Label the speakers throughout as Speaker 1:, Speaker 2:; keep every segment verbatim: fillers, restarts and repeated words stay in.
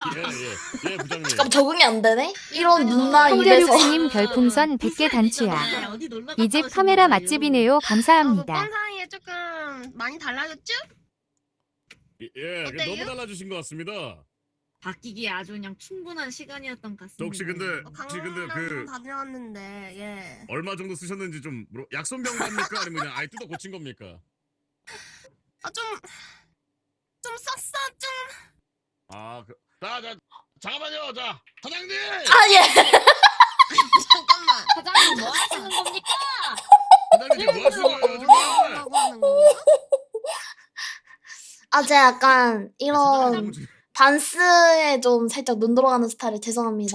Speaker 1: 예예예 부장님.
Speaker 2: 잠깐 적응이 안 되네? 이런 누나 입에서.
Speaker 3: 홍대륙스님 별풍선 백 개 단추야. 이 집 카메라 맛집이네요. 감사합니다.
Speaker 4: 아, 뭐 사이에 조금 많이 달라졌죠?
Speaker 1: 예, 예
Speaker 4: 어때요?
Speaker 1: 너무 달라지신 것 같습니다.
Speaker 5: 바뀌기에 아주 그냥 충분한 시간이었던 것 같습니다.
Speaker 1: 저 혹시 근데
Speaker 4: 어,
Speaker 1: 혹시 근데
Speaker 4: 강남 좀
Speaker 1: 그
Speaker 4: 다녀왔는데 예.
Speaker 1: 얼마 정도 쓰셨는지 좀 물어- 약손병 갑니까 아니면 그냥 아예 뜯어 고친 겁니까?
Speaker 4: 아좀 좀 썼어 좀.
Speaker 1: 아, 그, 자, 자, 잠깐만요, 자, 사장님!
Speaker 2: 아, 예.
Speaker 4: 잠깐만.
Speaker 5: 사장님 뭐 하시는 겁니까?
Speaker 1: 사장님 지금 뭐 하시는 거예요, 정말?
Speaker 4: 뭐라고 하는 건가?
Speaker 2: 아, 제가 약간 이런
Speaker 1: 사장님 지금-
Speaker 2: 반스에 좀 살짝 눈 돌아가는 스타일 죄송합니다.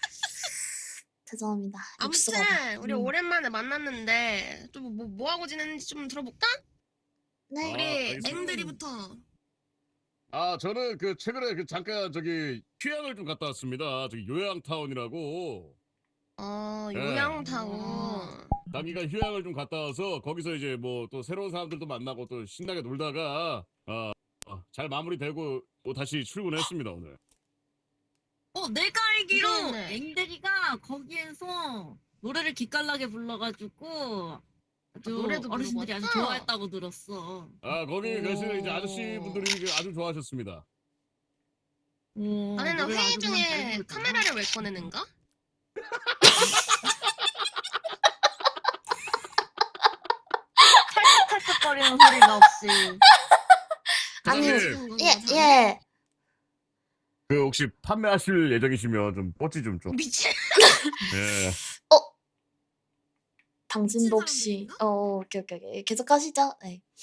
Speaker 2: 죄송합니다. 육수가.
Speaker 4: 아무튼 우리
Speaker 2: 음.
Speaker 4: 오랜만에 만났는데 좀 뭐 뭐 하고 지냈는지 좀 들어볼까?
Speaker 2: 네.
Speaker 1: 아,
Speaker 4: 우리
Speaker 1: 알겠습니다.
Speaker 4: 엠들이부터.
Speaker 1: 아, 저는 그 최근에 그 잠깐 저기 휴양을 좀 갔다 왔습니다. 저기 요양타운이라고
Speaker 4: 어
Speaker 1: 예.
Speaker 4: 요양타운.
Speaker 1: 단기간 휴양을 좀 갔다 와서 거기서 이제 뭐 또 새로운 사람들도 만나고 또 신나게 놀다가 어, 어, 잘 마무리되고 또 다시 출근했습니다 오늘.
Speaker 5: 어, 내가 알기로
Speaker 4: 네.
Speaker 5: 앵들이가 거기에서 노래를 기깔나게 불러가지고 아주
Speaker 4: 노래도
Speaker 5: 어르신들이
Speaker 4: 부르고
Speaker 5: 아주
Speaker 4: 왔어?
Speaker 5: 좋아했다고 들었어.
Speaker 1: 아, 거기
Speaker 4: 오.
Speaker 1: 계시는 이제 아저씨 분들이 그 아주 좋아하셨습니다.
Speaker 5: 오,
Speaker 4: 아내는
Speaker 5: 노래를
Speaker 4: 회의
Speaker 5: 아주 그냥 잘
Speaker 4: 중에
Speaker 5: 부르잖아.
Speaker 4: 카메라를 왜 꺼내는가?
Speaker 5: 찰칵찰칵거리는 소리가 없이.
Speaker 2: 아니,
Speaker 1: 사장님,
Speaker 2: 예, 예.
Speaker 1: 그 혹시 판매하실 예정이시면 좀 뽀찌 좀 좀.
Speaker 4: 미친.
Speaker 1: 예.
Speaker 2: 당신도 혹시,
Speaker 4: 사람들인가?
Speaker 2: 어, 오케이, 오케이, 오케이. 계속 하시죠. 네.